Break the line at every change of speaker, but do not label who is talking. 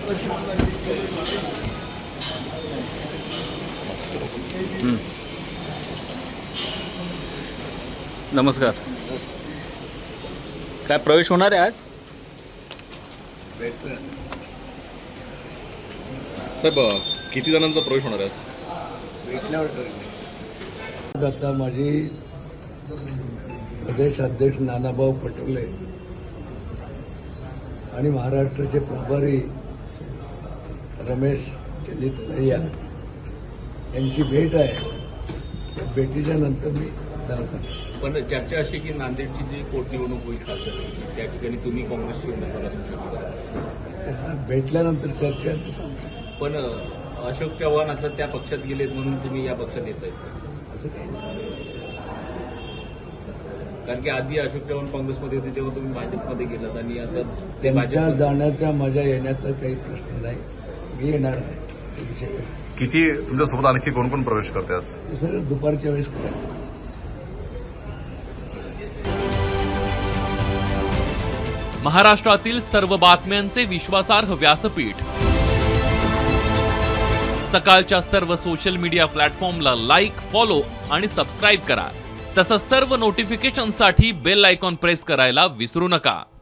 नमस्कार. काय प्रवेश होणार आहे आज?
साहेब, किती जणांचा प्रवेश होणार आहे आज?
आता माझी प्रदेश अध्यक्ष नानाभाऊ पटोले आणि महाराष्ट्राचे प्रभारी रमेश तलैया यांची भेट आहे. त्या भेटीच्या नंतर मी त्याला सांगतो.
पण चर्चा अशी की नांदेडची जी पोटनिवडणूक होईल खासदार त्या ठिकाणी तुम्ही काँग्रेसची उमेदवार असू शकता.
त्यांना भेटल्यानंतर चर्चा सांगतो.
पण अशोक चव्हाण आता त्या पक्षात गेलेत म्हणून तुम्ही या पक्षात येत आहेत
असं काही नाही.
कारण की आधी अशोक चव्हाण काँग्रेसमध्ये होते तेव्हा तुम्ही भाजपमध्ये गेलात आणि आता ते
त्यांच्या
भाजप
जाण्याचा माझ्या येण्याचा काही प्रश्न नाही. मी येणार आहे. ते विषय नाही.
किती तुमच्यासोबत आणखी कोण कोण प्रवेश करते आज?
हे सगळं दुपारच्या वेळेस करायचं.
महाराष्ट्रातील सर्व बातम्यांचे विश्वासार्ह व्यासपीठ सकाळच्या सर्व सोशल मीडिया प्लॅटफॉर्मला लाईक, फॉलो आणि सबस्क्राईब करा. तसंच सर्व नोटिफिकेशनसाठी बेल आयकॉन प्रेस करायला विसरू नका.